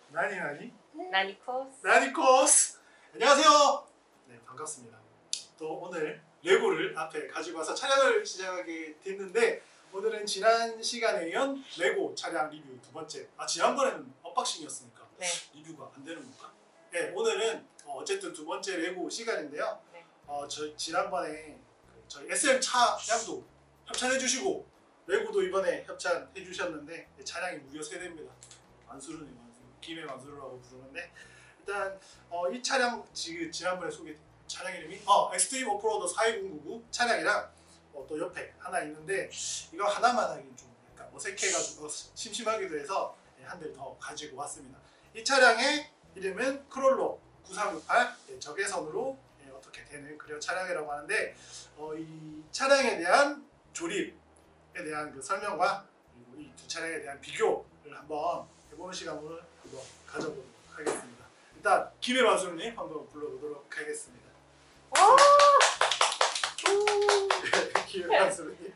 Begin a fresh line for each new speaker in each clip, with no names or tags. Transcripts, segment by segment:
나니?
나니코스.
나니코스! 안녕하세요! 네, 반갑습니다. 또 오늘 레고를 앞에 가지고 와서 촬영을 시작하게 됐는데 오늘은 지난 시간에 이은 레고 차량 리뷰 두 번째. 지난번에는 언박싱이었으니까
네.
리뷰가 안 되는 건가? 네, 오늘은 어쨌든 두 번째 레고 시간인데요.
네.
지난번에 저희 SM 차량도 협찬해 주시고 레고도 이번에 협찬해 주셨는데 차량이 무려 3대입니다. 만수르네 만수르. 김해 만수르라고 부르는데 일단 이 차량 지난번에 소개된 차량 이름이 엑스트림 오프로더 42099 차량이랑 또 옆에 하나 있는데 이거 하나만 하긴 좀 약간 어색해가지고 심심하기도 해서 한 대 더 가지고 왔습니다. 이 차량의 이름은 크롤로 9368 적외선으로 어떻게 되는 그런 차량이라고 하는데 이 차량에 대한 조립에 대한 그 설명과 그리고 이 두 차량에 대한 비교를 한번 해보는 시간을 한번 가져보도록 하겠습니다. 일단 김해 마수님 한번 불러보도록 하겠습니다. 김해 마수님.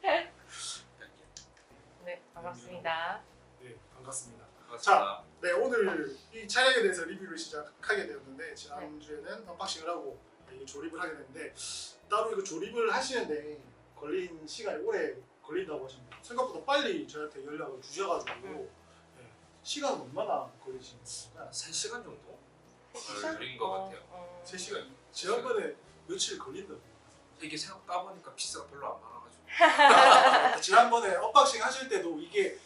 네, 반갑습니다.
네, 반갑습니다.
자,
네, 오늘 이 차량에 대해서 리뷰를 시작하게 되었는데 지난주에는 언박싱을 하고 이 조립을 하게 됐는데 따로 이거 조립을 하시는데 걸린 시간이 오래 걸린다고 하셨는데 생각보다 빨리 저한테 연락을 주셔가지고 시간은 얼마나 걸리시는 건가요?
3시간 정도?
3시간?
걸린 것 같아요.
3시간? 지난번에 며칠 걸린다고.
이게 생각 따보니까 피스가 별로 안 많아가지고.
지난번에 언박싱 하실 때도 이게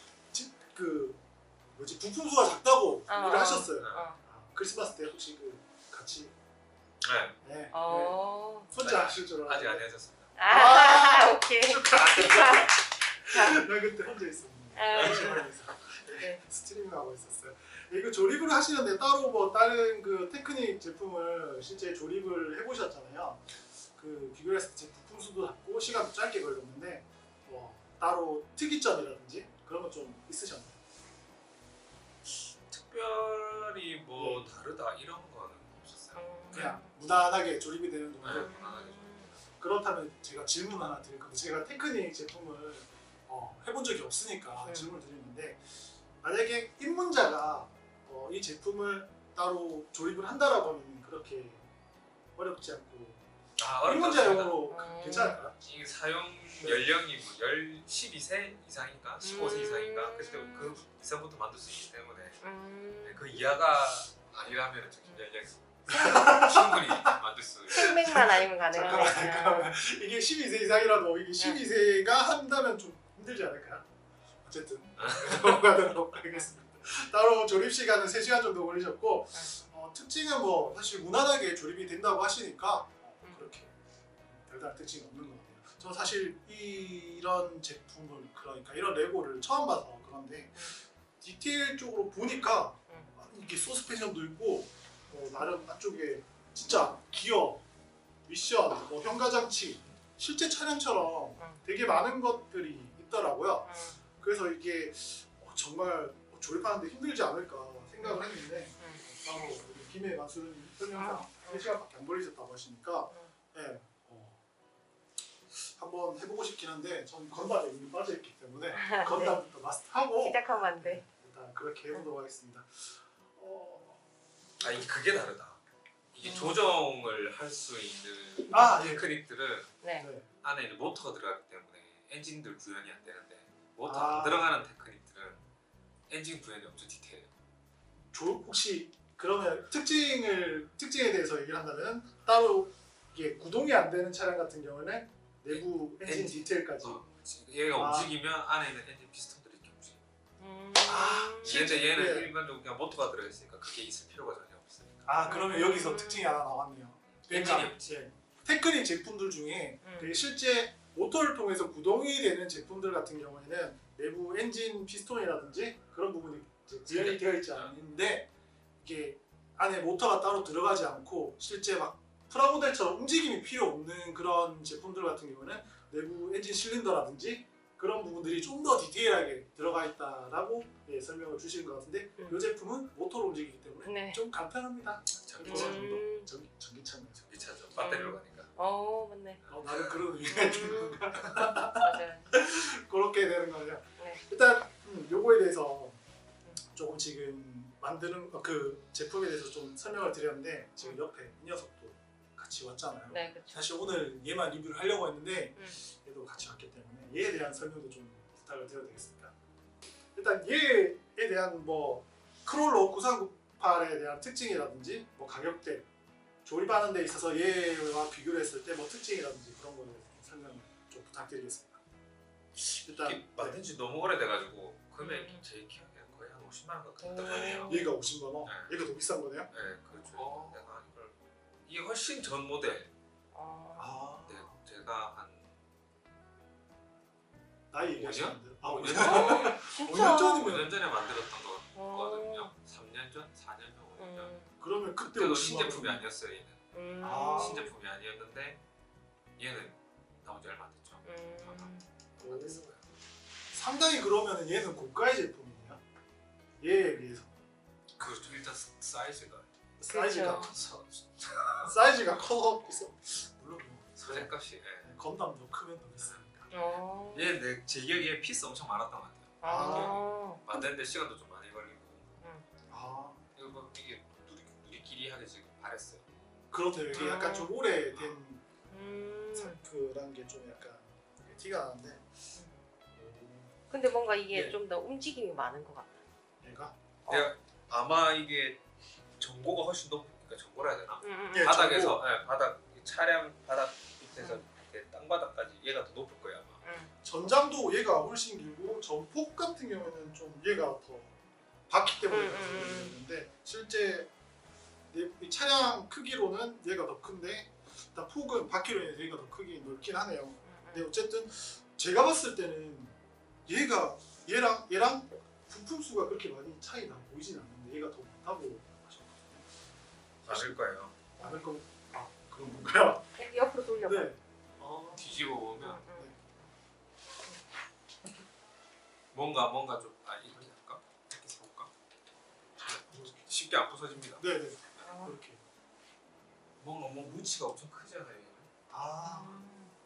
부품 수가 작다고 얘기를 하셨어요. 크리스마스 때 혹시 같이
네.
네,
네.
혼자 하실 줄 알았는데
아직 안 해졌습니다.
오케이.
나 그때 혼자 있었는데
네.
스트리밍 하고 있었어요. 이거 조립을 하시는데 따로 뭐 다른 그 테크닉 제품을 실제 조립을 해보셨잖아요. 그 비교했을 때 부품 수도 작고 시간도 짧게 걸렸는데 따로 특이점이라든지 그런 거 좀 있으셨나요?
특별히 뭐 다르다 이런 거는 없었어요.
그냥 무난하게 조립이 되는 정도.
네, 무난하게
그렇다면 제가 질문 하나 드릴 건데 제가 테크닉 제품을 해본 적이 없으니까 질문을 드리는데 만약에 입문자가 이 제품을 따로 조립을 한다라고 하면 그렇게 어렵지 않고 입문자용으로 괜찮을까요?
이게 사용 연령이 뭐 12세 이상인가 15세 이상인가 그때 그 이상부터 만들 수 있기 때문에 그 이하가 아니라면 굉장히 충분히 만들 수 있어요.
생맥만 아니면 가능하니까.
잠깐만. 이게 12세 이상이라도 이게 12세가 한다면 좀 힘들지 않을까요? 어쨌든 넘어가도록 하겠습니다. 따로 조립 시간은 3시간 정도 걸리셨고 특징은 뭐 사실 무난하게 조립이 된다고 하시니까 그렇게 별다른 특징이 없는 것 같아요. 저 사실 이런 제품을 그러니까 이런 레고를 처음 봐서 그런데 디테일 쪽으로 보니까 이게 서스펜션도 있고 나름 안쪽에 진짜 기어, 미션, 현가장치 실제 차량처럼 되게 많은 것들이 있더라고요. 그래서 이게 정말 조립하는데 힘들지 않을까 생각을 했는데 바로 김해 마수르님 설명상 3시간밖에 안 걸리셨다고 하시니까 네, 한번 해보고 싶긴 한데 전 건담에 이미 빠져있기 때문에 건담부터 마스터하고
시작하면 안 돼.
일단 그렇게 해보도록 하겠습니다.
아니 그게 다르다. 이게 조정을 할 수 있는 테크닉들은
네.
안에 이제 모터가 들어가기 때문에 엔진들 구현이 안 되는데 모터 안 들어가는 테크닉들은 엔진 구현이 엄청 디테일해요.
혹시 그러면 특징에 대해서 얘기를 한다면 따로 이게 구동이 안 되는 차량 같은 경우는 내부 엔진 디테일까지
얘가 움직이면 안에 있는 엔진 피스톤들이 이렇게 움직여요. 얘는
네.
일반적으로 그냥 모터가 들어있으니까 그게 있을 필요가 전혀 없으니까.
그러면 여기서 특징이 하나 나왔네요. 그러니까 테크닉 제품들 중에 되게 실제 모터를 통해서 구동이 되는 제품들 같은 경우에는 내부 엔진 피스톤이라든지 그런 부분이 구현이 되어 있지 않는데 이게 안에 모터가 따로 들어가지 않고 실제 막 프라모델처럼 움직임이 필요 없는 그런 제품들 같은 경우는 내부 엔진 실린더라든지 그런 부분들이 좀 더 디테일하게 들어가 있다라고 설명을 주시는 것 같은데 이 제품은 모터로 움직이기 때문에 좀 간편합니다.
전기차 정도?
전기차는
전기차죠. 배터리로 가니까.
맞네.
나는 그런 의미가 있는 건가?
맞아요.
그렇게 되는 거죠.
네.
일단 요거에 대해서 좀 조금 지금 만드는 그 제품에 대해서 좀 설명을 드렸는데 지금 옆에 이 녀석도 같이 왔잖아요.
네, 그렇죠.
사실 오늘 얘만 리뷰를 하려고 했는데
음.
얘도 같이 왔기 때문에 얘에 대한 설명도 좀 부탁을 드려도 되겠습니까? 일단 얘에 대한 뭐 크롤러 9398에 대한 특징이라든지 뭐 가격대, 조립하는 데 있어서 얘와 비교를 했을 때 뭐 특징이라든지 그런 거를 설명 좀 부탁드리겠습니다. 일단
이게 만든 지 너무 오래돼가지고 금액이
음.
제 기억에는 거의 한 50만 원 가까이 했던 거 같아요.
얘가 50만 원,
네.
얘가 더 비싼 거네요?
네, 그렇죠. 내가 이걸 이게 훨씬 전 모델.
아,
네, 제가 한
나이 얘기하시는데 아 5년
년
전?
어,
5년
진짜.
전이면
5년 전에 만들었던
어.
거거든요. 3년 전, 4년 전, 5년 전.
그러면 그때
그때도
50만
신제품이
원.
아니었어요. 얘는
아.
신제품이 아니었는데 얘는 나온 지 얼마 안 됐죠. 얼마 안 됐어요.
상당히 그러면 얘는 고가의 제품이네요. 얘에 비해서
그렇죠. 일단 사이즈가
사이즈가
그렇죠.
사이즈가 커 있어. 물론 뭐
소재값이. 예.
건담도 크면 더 비싸니까.
어.
얘내 제 기억에 피스 엄청 많았던 것 같아요.
아.
만드는데 시간도 좀 많이 걸리고
아
이거 뭐 이게 누리끼리하게 지금 바랬어요.
그렇대요. 이게
아.
약간 좀 오래된
음.
그런 게 좀 약간 티가 나는데
근데 뭔가 이게
네.
좀 더 움직임이 많은 것 같아.
얘가
내가 아마 이게 전고가 훨씬 높으니까 전고라 해야 되나?
예,
바닥에서 바닥 차량 바닥 밑에서 이렇게 땅바닥까지 얘가 더 높을 거예요 아마.
전장도 얘가 훨씬 길고 전폭 같은 경우에는 좀 얘가 더 바퀴 때문에 그런데 실제 이 차량 크기로는 얘가 더 큰데 일단 폭은 바퀴로 인해서 얘가 더 크게 넓긴 하네요. 근데 어쨌든 제가 봤을 때는 얘랑 부품 수가 그렇게 많이 차이나 보이진 않는데 얘가 더 많다고 하셨거든요.
맞을 거예요.
많을 건 그런 건가요?
옆으로 돌려봐.
네.
뒤집어 보면
응.
뭔가 좀 이렇게 할까? 이렇게 세볼까? 쉽게 안 부서집니다.
네네.
아.
그렇게.
뭔가 무치가 엄청 크잖아요. 얘는.
아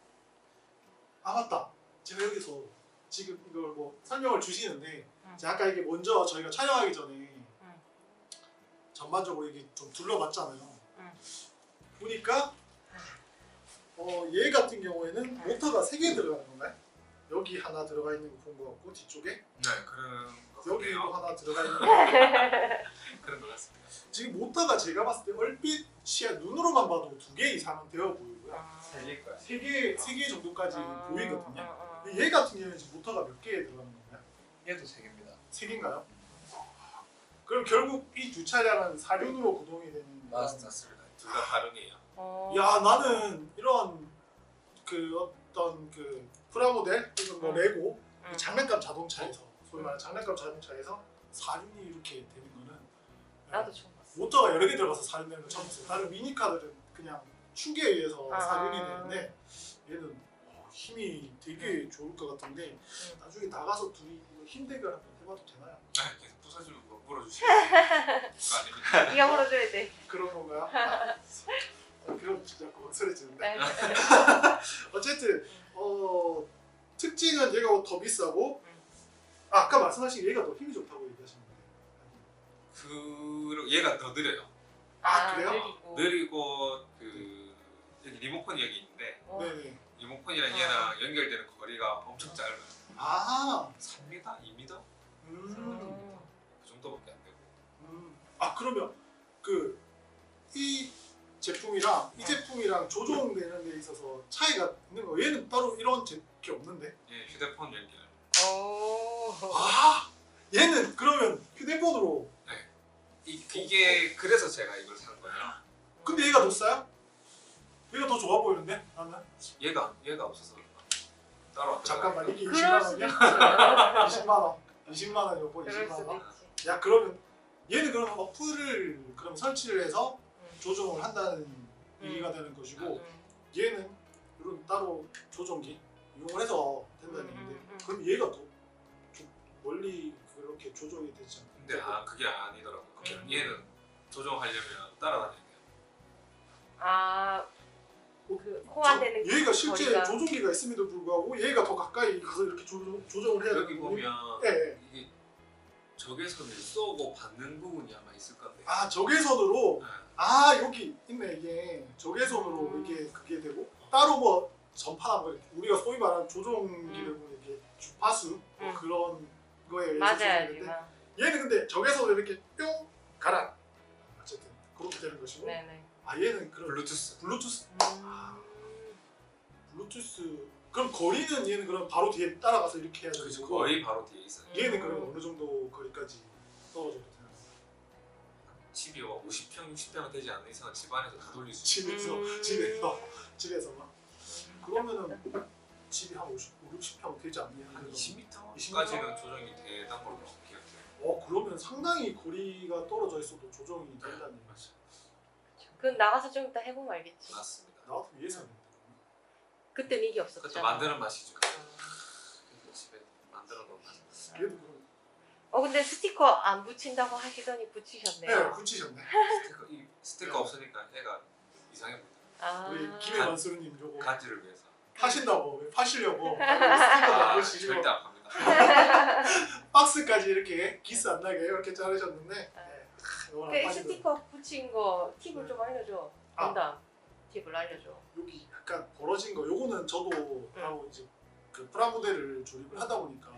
맞다. 제가 여기서 지금 이걸 뭐 설명을 주시는데 제가 아까 이게 먼저 저희가 촬영하기 전에 전반적으로 이게 좀 둘러봤잖아요. 보니까 얘 같은 경우에는 모터가 3개 들어가는 건가요? 여기 하나 들어가 있는 거 본 것 같고 뒤쪽에
네, 그런 것
여기도
같네요.
하나 들어가 있는 거
그런 것 같습니다.
지금 모터가 제가 봤을 때 얼핏 눈으로만 봐도 2개 이상은 되어 보이고요.
세 개일 거야.
3개 정도까지 보이거든요.
아.
얘 같은 경우에는 지금 모터가 몇 개에 들어가는 건가요?
얘도 세 개입니다.
3개인가요? 그럼 결국 이 두 차량은 사륜으로 구동이 되는
맞습니다. 둘 다 다르네요.
야 나는 이런 그 어떤 그 프라모델 혹은 뭐 레고 장난감 자동차에서 소위 말하는 장난감 자동차에서 사륜이 이렇게 되는 거는
나도 처음 봤어.
모터가 여러 개 들어가서 사륜 되는 건 처음 봤어요. 다른 미니카들은 그냥 충격에 의해서
아.
사륜이 되는데 얘는 힘이 되게 좋을 것 같은데 나중에 나가서 둘이 힘 대결 한번 해봐도 되나요?
아, 계속 부서지면 뭐 물어주시면 그거 아닙니다.
네가 물어줘야 돼.
그런 건가요? 그럼 진짜 헛소리지는데
네.
어쨌든 특징은 얘가 더 비싸고 아까 말씀하신 얘가 더 힘이 좋다고 얘기하셨는데
그리고 얘가 더 느려요.
아, 그래요?
느리고 그 여기 리모컨이 여기 있는데
네네
리모컨이랑 얘랑 연결되는 거리가 엄청 짧아요.
아
3m, 2m
음.
그 정도밖에 안 되고.
아 그러면 그 이 제품이랑 이 제품이랑 조종되는 데 있어서 차이가 있는 거 얘는 따로 이런 게 없는데
예, 휴대폰 연결.
아 얘는 그러면 휴대폰으로
이게 그래서 제가 이걸 산 거예요.
근데 얘가 더 싸요? 얘가 더 좋아 보이는데 나는
얘가 없어서 그런가? 따로 안
잠깐만 이게
그럴
20만
수도
원이야?
있지.
20만 원 20만 원 요거
그럴
20만
수도
원?
있지.
야 그러면 얘는 그럼 어플을 그럼 설치를 해서 조종을 한다는 얘기가 되는 것이고 얘는 이런 따로 조종기 이용을 해서 된다는 얘기인데 그럼 얘가 더 멀리 그렇게 조종이 되지 않나요?
근데 그게 아니더라고요. 얘는 조종하려면 따라다녀야 돼요.
그 호환되는 그
얘가 실제
거리가.
조종기가 있음에도 불구하고 얘가 더 가까이 가서 이렇게 조종을 해야
여기
되는
보면
예.
이게 적외선을 쏘고 받는 부분이 아마 있을 건데.
아 적외선으로.
네.
아 여기 있네 이게 적외선으로 이게 그게 되고 따로 뭐 전파나 뭐 우리가 소위 말하는 조종기를 보면 이게 주파수 뭐 그런 거에 의해서
맞아야지.
조정되는데 얘는 근데 적외선으로 이렇게 뿅 가라. 어쨌든 그렇게 되는 것이고.
네네.
아 얘는 그런
블루투스.
블루투스 그럼 거리는 얘는 그럼 바로 뒤에 따라가서 이렇게 해야 되는
그렇죠.
거고
거의 바로 뒤에 있어요.
얘는 그럼 어느 정도 거리까지 떨어져도 되나요?
집이 50평, 60평 되지 않는 이상 집안에서 다 돌릴 수 있어요.
집에서만 그러면은 집이 한 50, 60평 되지 않냐?
한 20m까지는
20m?
조정이 되는 걸로 기억해요.
그러면 상당히 거리가 떨어져 있어도 조정이 된다는
맞아요.
그건 나가서 좀 이따 해보면 알겠지.
맞습니다.
나도 위해서 했는데
그때는 이게
그것도
없었잖아.
만드는 맛이죠. 집에 만들어 놓은 맛.
얘도 그럼
근데 스티커 안 붙인다고 하시더니 붙이셨네요.
네 붙이셨네.
스티커 없으니까 애가 이상해 보이더라고요.
아.
우리 김혜원수님 요거
간지를 위해서.
파신다고 파시려고 스티커 넣으시고
절대 안 갑니다.
박스까지 이렇게 기스 안 나게 이렇게 자르셨는데 네. 이거는
그
파시고
스티커 붙인 거 팁을 좀 알려줘. 건담 팁을 알려줘.
여기 약간 벌어진 거 요거는 저도 바로 이제 그 프라모델을 조립을 하다 보니까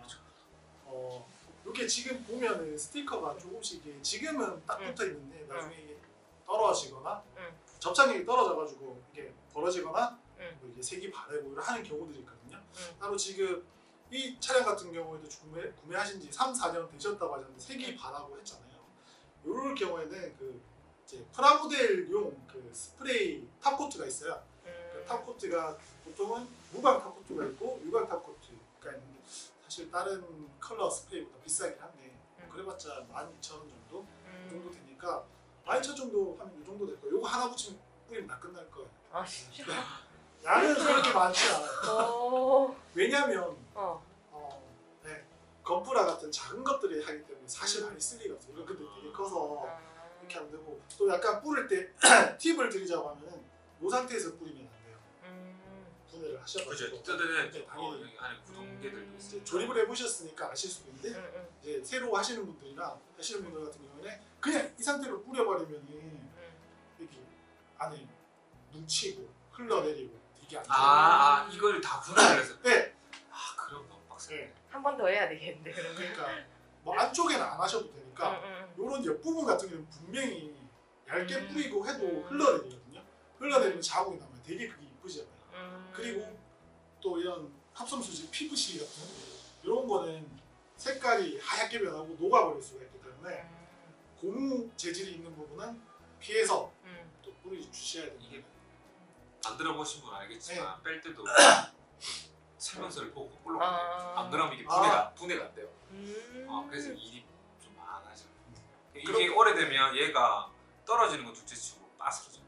이게 지금 보면은 스티커가 조금씩 이게 지금은 딱 붙어 있는데 나중에 이게 떨어지거나 접착력이 떨어져가지고 이게 벌어지거나 뭐 이게 색이 바래고 이런 하는 경우들이 있거든요. 따로 지금 이 차량 같은 경우에도 구매하신 지 3, 4년 되셨다고 하셨는데 색이 바라고 했잖아요. 이럴 경우에는 그 이제 프라모델용 그 스프레이 탑코트가 있어요. 그 탑코트가 보통은 무광 탑코트가 있고 유광 탑코트가 있는데 사실 다른 컬러 스프레이보다 비싸긴 한데 그래봤자 12,000원 정도? 그 정도 되니까 12,000원 정도 하면 이 정도 될 거예요. 이거 하나 붙이면 뿌리면 다 끝날 거예요.
아 진짜?
양은 그렇게 많지 않아요. 왜냐면 네, 건프라 같은 작은 것들이 하기 때문에 사실 많이 쓸 리가 없어요. 이거 근데 되게 커서 이렇게 하면 되고 또 약간 뿌릴 때 팁을 드리자고 하면은 이 상태에서 뿌리면 안 돼요. 분해를 하셔가지고
그죠. 뜯으면
당연히
여기 안에 구동계들도 있어요.
이제 조립을 해보셨으니까 아실 수도 있는데 이제 새로 하시는 분들이나 하시는 분들 같은 경우에는 그냥 이 상태로 뿌려버리면은 여기 안에 뭉치고 흘러내리고 이게 안 돼요.
이걸 다 분해를 해서.
네.
그럼 너무 빡세.
네.
한 번 더 해야 되겠는데 그러면.
그러니까 뭐 안쪽에는 안 하셔도 되니까 요런 옆부분 같은 경우는 분명히 얇게 뿌리고 해도 흘러내리거든요. 흘러내리면 자국이 나면 되게 그게 이쁘잖아요. 그리고 또 이런 합성수지 PVC 같은 이런 거는 색깔이 하얗게 변하고 녹아버릴 수가 있기 때문에 고무 재질이 있는 부분은 피해서 또 뿌리 주셔야 됩니다.
이게 만들어 보신 분 알겠지만 뺄 때도 설명서를 보고 올라가요. 안 그러면 이게 분해가 안 돼요. 그래서 일이 좀 많아져. 이게 오래되면 얘가 떨어지는 건 둘째치고 빠스러져.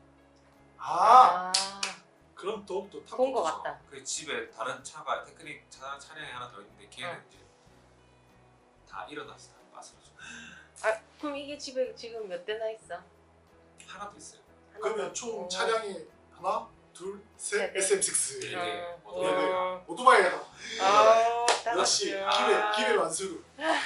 그럼 더욱더 탑.
본 거 같다.
그 집에 다른 차가 테크닉 차량이 하나 더 있는데 걔는 이제 다 일어나서 다 빠스러져.
그럼 이게 집에 지금 몇 대나 있어?
하나도 있어요.
그러면 총 차량이 하나, 둘, 셋, SM6.
네.
오토바이 하나. 역시
아.
기회 완수.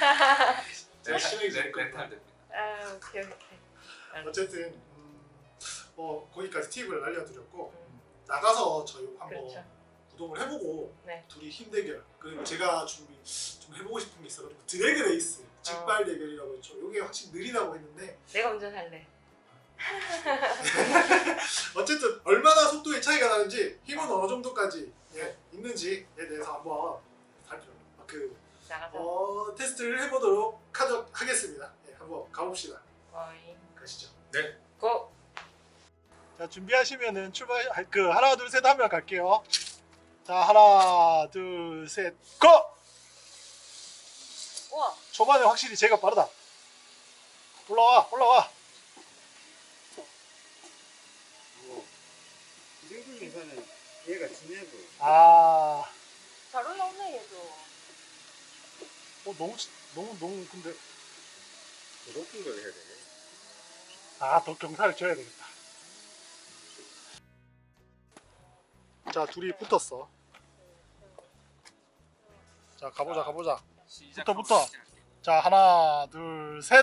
렌탈 됩니다.
오케이.
어쨌든 거기까지 팁을 알려드렸고 나가서 저희 한번 구동을 해보고 둘이 힘 대결 그리고 제가 준비 좀 해보고 싶은 게 있어가지고 드래그 레이스 직발 대결이라고 했죠. 이게 확실히 느리다고 했는데
내가 운전할래.
어쨌든 얼마나 속도의 차이가 나는지 힘은 어느 정도까지 있는지에 대해서 한번
나가서
테스트를 해보도록 하겠습니다. 한번 가봅시다. 가시죠.
네.
고!
자 준비하시면은 출발 하나 둘 셋 하면 갈게요. 자 하나 둘 셋 고!
우와.
초반에 확실히 제가 빠르다. 올라와.
이 정도 계산은 얘가 진해 보여.
잘 올라오네 얘도.
너무 근데
더 높은 걸 해야 되네.
더 경사를 줘야 되겠다. 자 둘이 붙었어. 자 가보자. 붙어. 자, 하나, 둘, 셋.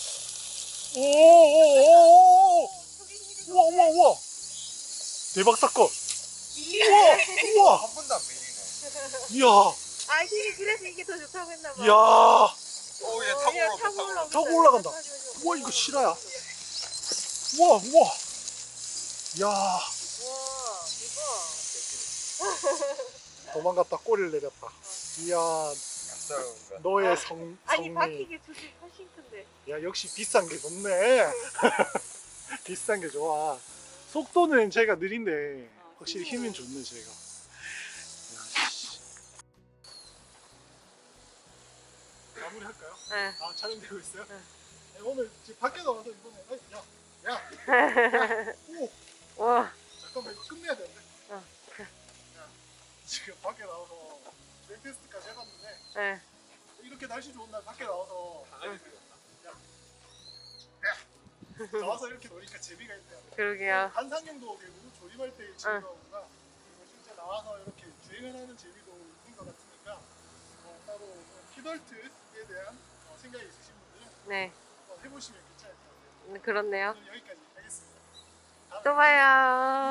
오오오오. 우와 우와 우와. 대박 사건. 우와 우와.
한 번도 안 밀리네.
이야
아 이게 그래서 이게 더 좋다고 했나 봐.
이야.
오, 얘 타고 올라온다.
타고 올라간다. 우와 이거 실화야. 우와 우와. 이야
와 이거.
도망갔다 꼬리를 내렸다. 이야
낯설은가.
너의
아니
성미.
바퀴게 조금 훨씬 큰데.
야 역시 비싼 게 좋네. 비싼 게 좋아. 속도는 제가 느린데 확실히 힘은 좋네 제가. 야, 씨. 마무리할까요?
네.
아 촬영되고 있어요?
네.
네, 오늘 지금 밖에 나와서 이번에 야 오
와.
잠깐만 이거 끝내야 되는데.
어.
야, 지금 밖에 나와서 랩 테스트까지 해봤는데
네.
이렇게 날씨 좋은 날 밖에 나와서
강아지 들렸나?
나와서 이렇게 노니까 재미가 있네요.
그러게요.
한상형도 결국 조립할 때 재미가 오구나. 그리고 실제 나와서 이렇게 주행을 하는 재미도 있는 것 같으니까 따로 키덜트에 대한 생각이 있으신 분들은
네.
한번 해보시면 괜찮을 것 같아요.
그렇네요.
오늘 여기까지 하겠습니다.
또 봐요.